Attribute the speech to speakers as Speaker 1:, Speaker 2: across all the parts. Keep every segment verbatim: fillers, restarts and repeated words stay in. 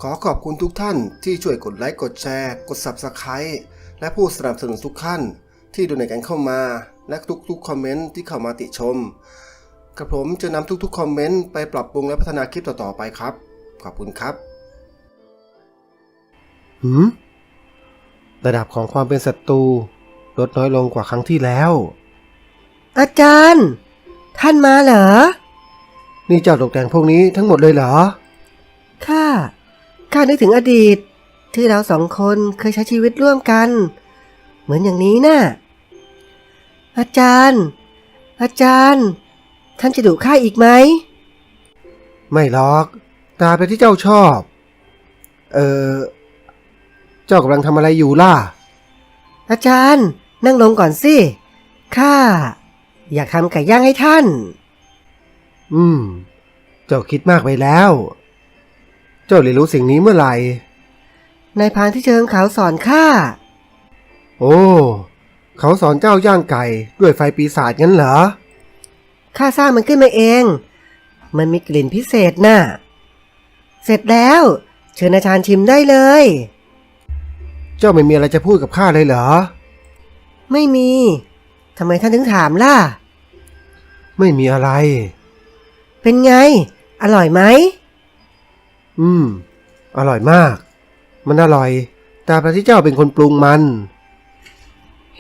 Speaker 1: ขอขอบคุณทุกท่านที่ช่วยกดไลค์กดแชร์กด ซับสไครบ์ และผู้สนับสนุนทุกท่านที่ดูในกันเข้ามาและทุกๆคอมเมนต์ที่เข้ามาติชมกระผมจะนำทุกๆคอมเมนต์ไปปรับปรุงและพัฒนาคลิปต่อๆไปครับขอบคุณครับหืมระดับของความเป็นศัตรูลดน้อยลงกว่าครั้งที่แล้ว
Speaker 2: อาจารย์ท่านมาเหรอ
Speaker 1: นี่เจ้าตกแต่งพวกนี้ทั้งหมดเลยเหรอ
Speaker 2: ข้าข้านึกถึงอดีตที่เราสองคนเคยใช้ชีวิตร่วมกันเหมือนอย่างนี้น่ะอาจารย์อาจารย์ท่านจะดุข้าอีกไหม
Speaker 1: ไม่หรอกตามไปที่เจ้าชอบเออเจ้ากำลังทำอะไรอยู่ล่ะ
Speaker 2: อาจารย์นั่งลงก่อนสิข้าอยากทำไก่ย่างให้ท่าน
Speaker 1: อืมเจ้าคิดมากไปแล้วเจ้าเรียนรู้สิ่งนี้เมื่อไหร่
Speaker 2: นายพรานที่เชิงเขาสอนข้า
Speaker 1: โอ้เขาสอนเจ้าย่างไก่ด้วยไฟปีศาจงั้นเหรอ
Speaker 2: ข้าสร้างมันขึ้นมาเองมันมีกลิ่นพิเศษน่ะเสร็จแล้วเชิญอาจารย์ชิมได้เลย
Speaker 1: เจ้าไม่มีอะไรจะพูดกับข้าเลยเหรอ
Speaker 2: ไม่มีทำไมท่านถึงถามล่ะ
Speaker 1: ไม่มีอะไร
Speaker 2: เป็นไงอร่อยไหม
Speaker 1: อืมอร่อยมากมันอร่อยแต่พระที่เจ้าเป็นคนปรุงมัน
Speaker 2: เฮ้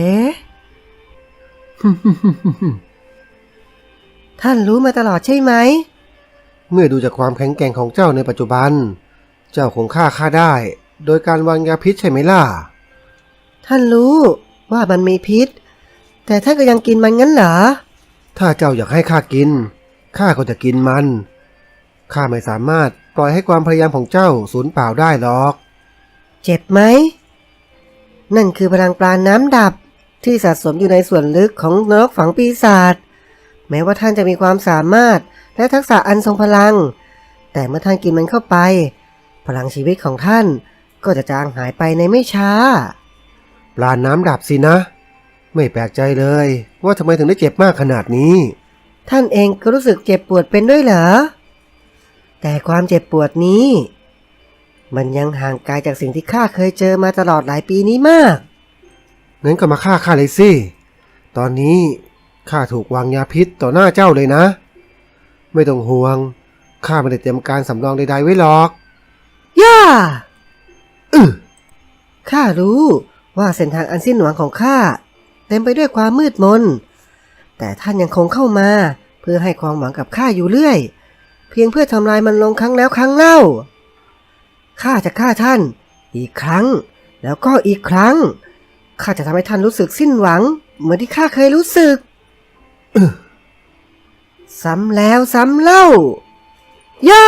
Speaker 2: ท่านรู้มาตลอดใช่ไหม
Speaker 1: เมื่อดูจากความแข็งแกร่งของเจ้าในปัจจุบันเจ้าคงฆ่าข้าได้โดยการวางยาพิษใช่ไหมล่ะ
Speaker 2: ท่านรู้ว่ามันมีพิษแต่ท่านก็ยังกินมันงั้นเหรอ
Speaker 1: ถ้าเจ้าอยากให้ข้ากินข้าก็จะกินมันข้าไม่สามารถปล่อยให้ความพยายามของเจ้าสูญเปล่าได้หรอก
Speaker 2: เจ็บไหมนั่นคือพลังปราณน้ำดับที่สะสมอยู่ในส่วนลึกของนรกฝังปีศาจแม้ว่าท่านจะมีความสามารถและทักษะอันทรงพลังแต่เมื่อท่านกินมันเข้าไปพลังชีวิตของท่านก็จะจางหายไปในไม่ช้า
Speaker 1: ปราณน้ำดับสินะไม่แปลกใจเลยว่าทำไมถึงได้เจ็บมากขนาดนี้
Speaker 2: ท่านเองก็รู้สึกเจ็บปวดเป็นด้วยเหรอแต่ความเจ็บปวดนี้มันยังห่างไกลจากสิ่งที่ข้าเคยเจอมาตลอดหลายปีนี้มาก
Speaker 1: งั้นก็มาฆ่าข้าเลยสิตอนนี้ข้าถูกวางยาพิษต่อหน้าเจ้าเลยนะไม่ต้องห่วงข้าไม่ได้เตรียมการสำรองใดๆไว้หรอก
Speaker 2: ย่าอือข้ารู้ว่าเส้นทางอันสิ้นหวังของข้าเต็มไปด้วยความมืดมนแต่ท่านยังคงเข้ามาเพื่อให้ความหวังกับข้าอยู่เรื่อยเพียงเพื่อทำลายมันลงครั้งแล้วครั้งเล่าข้าจะฆ่าท่านอีกครั้งแล้วก็อีกครั้งข้าจะทำให้ท่านรู้สึกสิ้นหวังเหมือนที่ข้าเคยรู้สึกซ้ำแล้วซ้ำเล่าย่า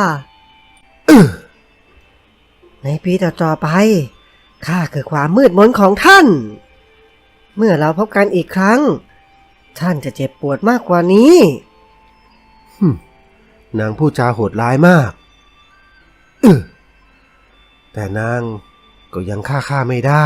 Speaker 2: ในปีต่อๆไปข้าคือความมืดมนของท่านเมื่อเราพบกันอีกครั้งท่านจะเจ็บปวดมากกว่านี้
Speaker 1: นางพูดจาโหดร้ายมากแต่นางก็ยังฆ่าข้าไม่ได้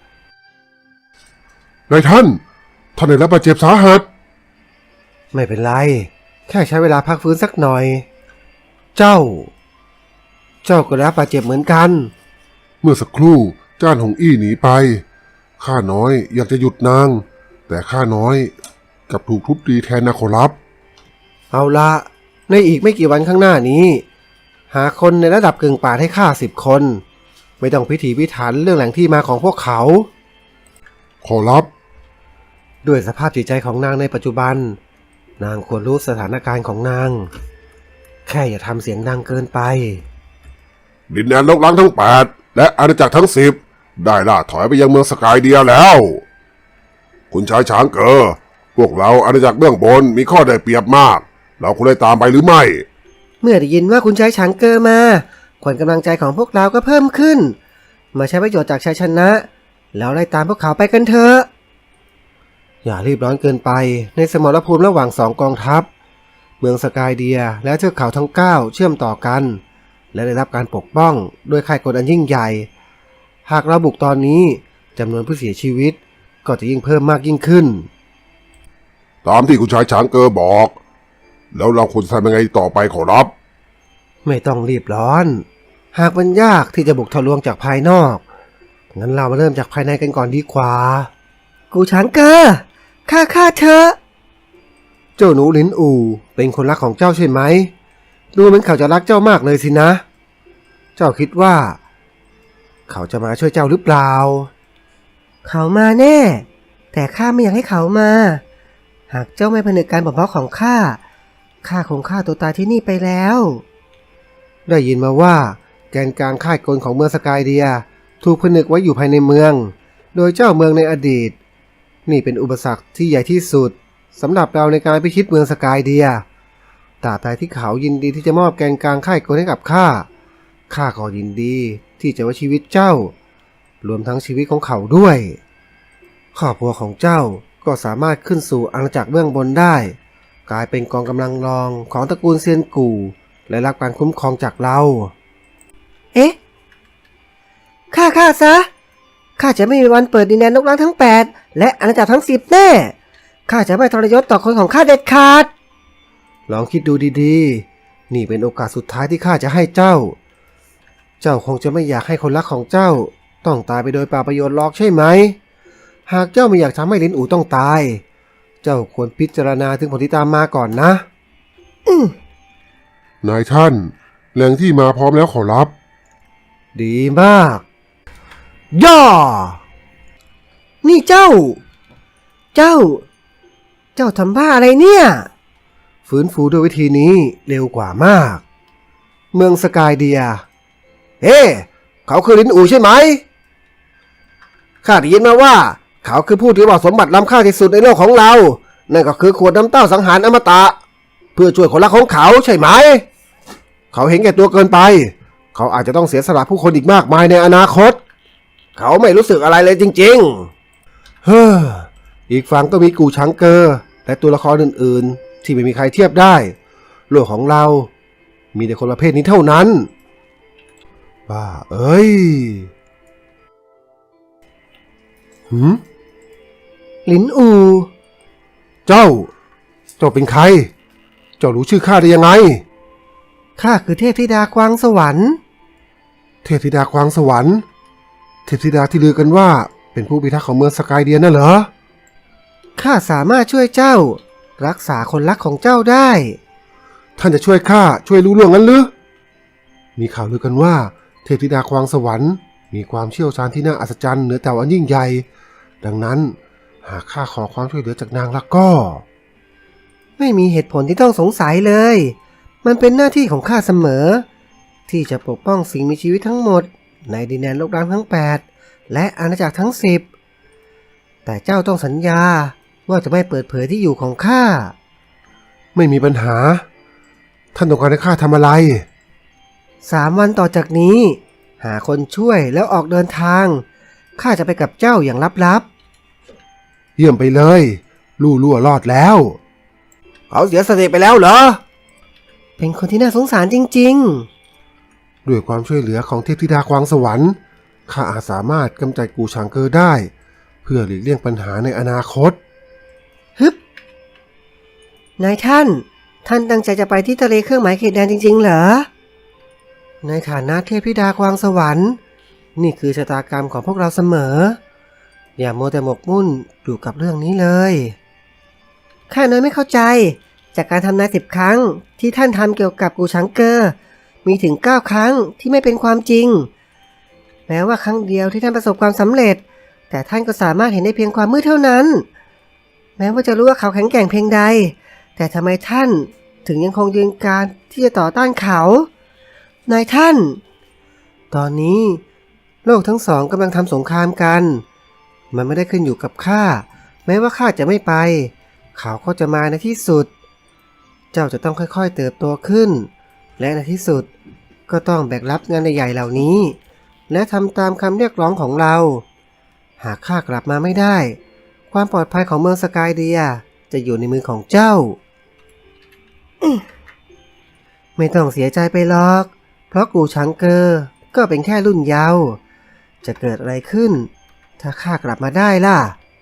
Speaker 3: นายท่านท่านได้รับบาดเจ็บสาหัส
Speaker 1: ไม่เป็นไรแค่ใช้เวลาพักฟื้นสักหน่อยเจ้าเจ้าก็รับบาดเจ็บเหมือนกัน
Speaker 3: เมื่อสักครู่จ้านหงอี้หนีไปข้าน้อยอยากจะหยุดนางแต่ข้าน้อยกลับถูกทุบตีแทนนะขอรับ
Speaker 1: เอาละในอีกไม่กี่วันข้างหน้านี้หาคนในระดับกึ่งป่าให้ข้าสิบคนไม่ต้องพิถีพิถันเรื่องแหล่งที่มาของพวกเขา
Speaker 3: ขอรับ
Speaker 1: ด้วยสภาพจิตใจของนางในปัจจุบันนางควรรู้สถานการณ์ของนางแค่อย่าทำเสียงดังเกินไป
Speaker 3: ดินแดนลกล้างทั้งแปดและอาณาจักรทั้งสิบได้ล่าถอยไปยังเมืองสกายเดียแล้วคุณชายช้างเกอพวกเราอาณาจักรเบื้องบนมีข้อได้เปรียบมากเราควรได้ตามไปหรือไม่
Speaker 2: เมื่อได้ยินว่าคุณชายช้างเกอมาขวัญกำลังใจของพวกเราก็เพิ่มขึ้นมาใช้ประโยชน์จากชัยชนะแล้วไล่ตามพวกเขาไปกันเถอะ
Speaker 1: อย่ารีบร้อนเกินไปในสมรภูมิระหว่างสองกองทัพเมืองสกายเดียและเทือกเขาทั้งเก้าเชื่อมต่อกันและได้รับการปกป้องโดยค่ายกลอันยิ่งใหญ่หากเราบุกตอนนี้จำนวนผู้เสียชีวิตก็จะยิ่งเพิ่มมากยิ่งขึ้น
Speaker 3: ตามที่คุณชายช้างเกอบอกแล้วเราควรทำยังไงต่อไปขอรับ
Speaker 1: ไม่ต้องรีบร้อนหากมันยากที่จะบุกทะลวงจากภายนอก งั้นเรามาเริ่มจากภายในกันก่อนดีกว่า
Speaker 2: กูช้างเกอร์ข้าข้าเธอ
Speaker 1: เจ้าหนูหลินอู่เป็นคนรักของเจ้าใช่ไหม ดูเหมือนเขาจะรักเจ้ามากเลยสินะ เจ้าคิดว่า เขาจะมาช่วยเจ้าหรือเปล่า
Speaker 2: เขามาแน่ แต่ข้าไม่อยากให้เขามา หากเจ้าไม่ผนึกการบ่มเพาะของข้า ข้าคงฆ่าตัวตายที่นี่ไปแล้ว
Speaker 1: ได้ยินมาว่าแกนกลางค่ายกลของเมืองสกายเดียถูกผนึกไว้อยู่ภายในเมือง โดยเจ้าเมืองในอดีต นี่เป็นอุปสรรคที่ใหญ่ที่สุดสำหรับเราในการพิชิตเมืองสกายเดียตราบใดที่เขายินดีที่จะมอบแกนกลางค่ายกลให้กับข้า ข้าก็ยินดีที่จะไว้ชีวิตเจ้า รวมทั้งชีวิตของเขาด้วยครอบครัวของเจ้าก็สามารถขึ้นสู่อาณาจักรเบื้องบนได้ กลายเป็นกองกำลังรองของตระกูลเซียนกู่และรับการคุ้มครองจากเรา
Speaker 2: เอ๊ะฆ่าข้าซะ ข้าจะไม่มีวันเปิดดินแดนลกล้างทั้งแปดและอาณาจักรทั้งสิบแน่ ข้าจะไม่ทรยศต่อคนของข้าเด็ดขาด
Speaker 1: ลองคิดดูดีๆ นี่เป็นโอกาสสุดท้ายที่ข้าจะให้เจ้า เจ้าคงจะไม่อยากให้คนรักของเจ้าต้องตายไปโดยเปล่าประโยชน์หรอกใช่ไหม หากเจ้าไม่อยากทำให้ลินอู่ต้องตาย เจ้าควรพิจารณาถึงผลที่ตามมาก่อนนะ
Speaker 2: อืม
Speaker 3: นายท่านแหล่งที่มาพร้อมแล้วขอรับ
Speaker 1: ดีมาก ย่อ
Speaker 2: นี่เจ้า เจ้า เจ้าทำบ้าอะไรเนี่ย
Speaker 1: ฟื้นฟูด้วยวิธีนี้เร็วกว่ามาก เมืองสกายเดีย เฮ้ เขาคือลินอู่ใช่ไหม ข้าได้ยินมาว่า เขาคือผู้ที่ว่าสมบัติล้ำค่าที่สุดในโลกของเรา นั่นก็คือขวดน้ำเต้าสังหารอมตะ เพื่อช่วยคนรักของเขาใช่ไหม เขาเห็นแก่ตัวเกินไป เขาอาจจะต้องเสียสละผู้คนอีกมากมายในอนาคต เขาไม่รู้สึกอะไรเลยจริงๆ เฮ้อ อีกฝั่งก็มีกูช้างเกอร์และตัวละครอื่นๆ ที่ไม่มีใครเทียบได้ โลกของเรา มีแต่คนประเภทนี้เท่านั้นบ้าเอ้ยหืม
Speaker 2: ลินอู
Speaker 1: เจ้า เจ้าเป็นใคร เจ้ารู้ชื่อข้าได้ยังไง
Speaker 2: ข้าคือเทพธิดากวางสวรรค์
Speaker 1: เทพธิดาควางสวรรค์ เทพธิดาที่ลือกันว่าเป็นผู้พิทักษ์ของเมืองสกายเดียน่ะเหรอ
Speaker 2: ข้าสามารถช่วยเจ้า รักษาคนรักของเจ้าได้
Speaker 1: ท่านจะช่วยข้าช่วยรู้เรื่องนั้นหรือ มีข่าวลือกันว่าเทพธิดาควางสวรรค์มีความเชี่ยวชาญที่น่าอัศจรรย์เหนือแต่อันยิ่งใหญ่ ดังนั้นหากข้าขอความช่วยเหลือจากนางแล้วก็
Speaker 2: ไม่มีเหตุผลที่ต้องสงสัยเลย มันเป็นหน้าที่ของข้าเสมอ ที่จะปกป้องสิ่งมีชีวิตทั้งหมดในดินแดนโลกร้างทั้งแปดและอาณาจักรทั้งสิบแต่เจ้าต้องสัญญาว่าจะไม่เปิดเผยที่อยู่ของข้า
Speaker 1: ไม่มีปัญหา ท่านต้องการให้ข้าทำอะไร
Speaker 2: สามวันต่อจากนี้ หาคนช่วยแล้วออกเดินทาง ข้าจะไปกับเจ้าอย่างลับ
Speaker 1: เยี่ยมไปเลย ลู่ล่วรอดแล้ว เขาเสียสติไปแล้วเหรอ
Speaker 2: ๆ เป็นคนที่น่าสงสารจริง
Speaker 1: ด้วยความช่วยเหลือของเทพธิดาควางสวรรค์ข้าอาจสามารถกำจัดกูชางเกอร์ได้ เพื่อหลีกเลี่ยงปัญหาในอนาคต
Speaker 2: ๆ ฮึบ นายท่าน ท่านตั้งใจจะไปที่ทะเลเครื่องหมายเขตแดนจริงๆเหรอ ในฐานะเทพธิดาควางสวรรค์ นี่คือชะตากรรมของพวกเราเสมอ อย่ามัวแต่หมกมุ่นอยู่กับเรื่องนี้เลย ข้าน้อยไม่เข้าใจ จากการทำนายสิบครั้งที่ท่านทำเกี่ยวกับกูชังเกอร์ มีถึงเก้าครั้งที่ไม่เป็นความจริง แม้ว่าครั้งเดียวที่ท่านประสบความสำเร็จ แต่ท่านก็สามารถเห็นได้เพียงความมืดเท่านั้น แม้ว่าจะรู้ว่าเขาแข็งแกร่งเพียงใด แต่ทำไมท่านถึงยังคงยืนการที่จะต่อต้านเขา นายท่าน ตอนนี้โลกทั้งสองกำลังทำสงครามกัน มันไม่ได้ขึ้นอยู่กับข้า แม้ว่าข้าจะไม่ไป เขาก็จะมาในที่สุด เจ้าจะต้องค่อยๆเติบโตขึ้น และในที่สุดก็ต้องแบกรับงานใหญ่ๆเหล่านี้ และทำตามคำเรียกร้องของเรา หากข้ากลับมาไม่ได้ ความปลอดภัยของเมืองสกายเดียจะอยู่ในมือของเจ้า ไม่ต้องเสียใจไปหรอก เพราะกูชังเกอร์ก็เป็นแค่รุ่นเยาว์จะเกิดอะไรขึ้น ถ้าข้ากลับมาได้ล่ะ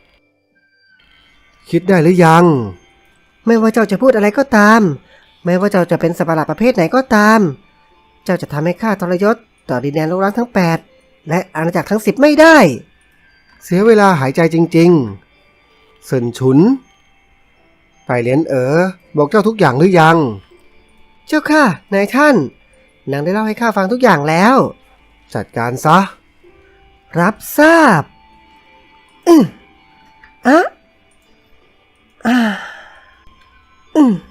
Speaker 1: คิดได้หรือยัง
Speaker 2: ไม่ว่าเจ้าจะพูดอะไรก็ตาม ไม่ว่าเจ้าจะเป็นสัตว์ประหลาดประเภทไหนก็ตาม เจ้าจะทำให้ข้าทรยศต่อดินแดนโลกร้างทั้งแปดและอาณาจักรทั้งสิบไม่ได้
Speaker 1: เสียเวลาหายใจจริงๆเซินฉุนไปเหลียนเอ๋อบอกเจ้าทุกอย่างหรือยัง
Speaker 2: เจ้าค่ะนายท่านนางได้เล่าให้ข้าฟังทุกอย่างแล้ว
Speaker 1: จัดการซะ
Speaker 2: รับทราบอืมอะอ่าอืม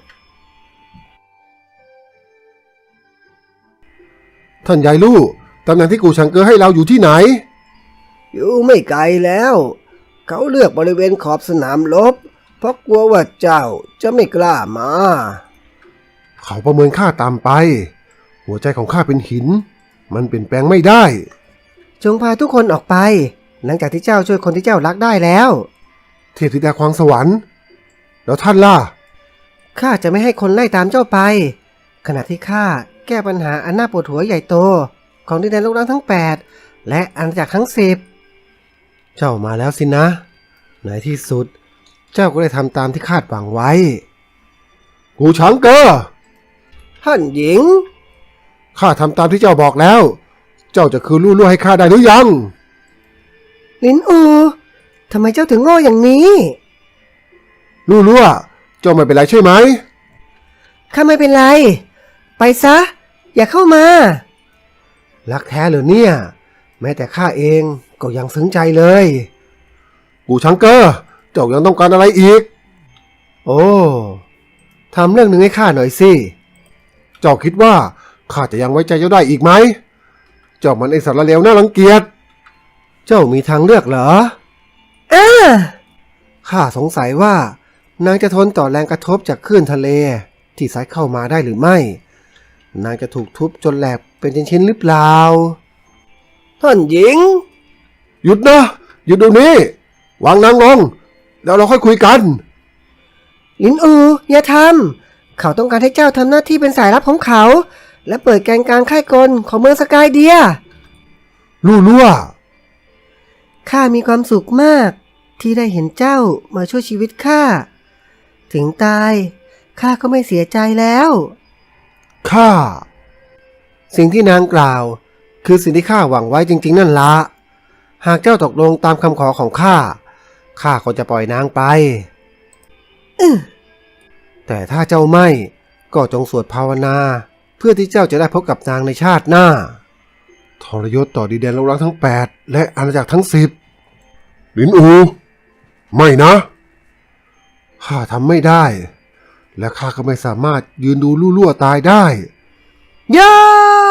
Speaker 1: ท่านยายลู่ตำแหน่งที่กูชังเกอให้เราอยู่ที่ไหน
Speaker 2: อยู่ไม่ไกลแล้ว เขาเลือกบริเวณขอบสนามรบเพราะกลัวว่าเจ้าจะไม่กล้ามา
Speaker 1: เขาประเมินข้าต่ำไป หัวใจของข้าเป็นหิน มันเปลี่ยนแปลงไม่ได้
Speaker 2: จงพาทุกคนออกไป หลังจากที่เจ้าช่วยคนที่เจ้ารักได้แล้ว
Speaker 1: เทพธิดาควางสวรรค์ แล้วท่านล่ะ
Speaker 2: ข้าจะไม่ให้คนไล่ตามเจ้าไป ขณะที่ข้าแก้ปัญหาอันน่าปวดหัวใหญ่โต ของดินแดนโลกร้างทั้งแปดและอาณาจักรทั้งสิบ
Speaker 1: เจ้ามาแล้วสินะ ในที่สุด เจ้าก็ได้ทำตามที่คาดหวังไว้ กูชังเกอ
Speaker 2: ท่านหญิง
Speaker 1: ข้าทำตามที่เจ้าบอกแล้ว เจ้าจะคืนลู่ล่วให้ข้าได้หรือยัง
Speaker 2: ลินอูทำไมเจ้าถึงโง่อย่างนี้
Speaker 1: ลู่ล่วเจ้าไม่เป็นไรใช่ไหม
Speaker 2: ข้าไม่เป็นไร ไปซะ อย่าเข้ามา
Speaker 1: รักแท้เหรอเนี่ย แม้แต่ข้าเองก็ยังซึ้งใจเลย กูชังเกอเจ้ายังต้องการอะไรอีก โอ้ทำเรื่องหนึ่งให้ข้าหน่อยสิเจ้าคิดว่าข้าจะยังไว้ใจเจ้าได้อีกไหมเจ้ามันไอสารเลวน่ารังเกียจเจ้ามีทางเลือกเหรอ
Speaker 2: อ้า
Speaker 1: ข้าสงสัยว่านางจะทนต่อแรงกระทบจากคลื่นทะเลที่ซัดเข้ามาได้หรือไม่ นางจะถูกทุบจนแหลกเป็นชิ้นๆหรือเปล่า
Speaker 2: ท่านหญิง
Speaker 1: หยุดนะหยุดเดี๋ยวนี้ วางนางลงแล้วเราค่อยคุยกัน
Speaker 2: ลินอูอย่าทำ เขาต้องการให้เจ้าทำหน้าที่เป็นสายลับของเขา และเปิดแกนกลางค่ายกลของเมืองสกายเดีย
Speaker 1: ลู่ล่ว
Speaker 2: ข้ามีความสุขมากที่ได้เห็นเจ้ามาช่วยชีวิตข้า ถึงตายข้าก็ไม่เสียใจแล้ว
Speaker 1: ข้า สิ่งที่นางกล่าว คือสิ่งที่ข้าหวังไว้จริงๆนั่นละหากเจ้าตกลงตามคำขอของข้าข้าก็จะปล่อยนางไป
Speaker 2: อื้อ
Speaker 1: แต่ถ้าเจ้าไม่ก็จงสวดภาวนา เพื่อที่เจ้าจะได้พบกับนางในชาติหน้าทรยศต่อดินแดนโลกร้างทั้งแปดและอาณาจักรทั้งสิบลินอู ไม่นะข้าทำไม่ได้ และข้าก็ไม่สามารถยืนดูลู่ล่วตายได้
Speaker 2: ย่า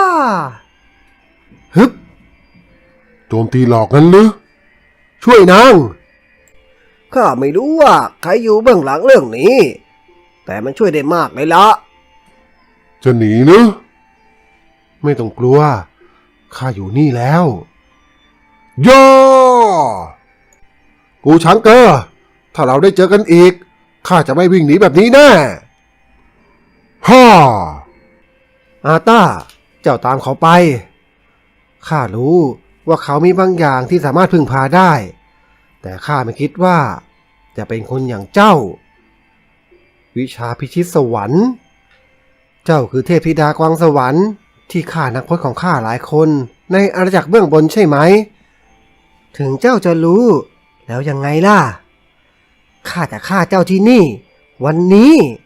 Speaker 1: ฮึบโจมตีหลอกนั้นหรือช่วยนาง
Speaker 2: ข้าไม่รู้ว่าใครอยู่เบื้องหลังเรื่องนี้ แต่มันช่วยได้มากเลยละ
Speaker 1: จะหนีหรือไม่ต้องกลัวข้าอยู่นี่แล้วย่อกูช้างเกอถ้าเราได้เจอกันอีกข้าจะไม่วิ่งหนีแบบนี้แน่ฮ่าอาต้าเจ้าตามเขาไปข้ารู้ว่าเขามีบางอย่างที่สามารถพึ่งพาได้แต่ข้าไม่คิดว่าจะเป็นคนอย่างเจ้าวิชาพิชิตสวรรค์เจ้าคือเทพธิดากวางสวรรค์ที่ฆ่านักพจน์ของข้าหลายคนในอาณาจักรเบื้องบนใช่ไหมถึงเจ้าจะรู้แล้วยังไงล่ะข้าจะฆ่าเจ้าที่นี่วันนี้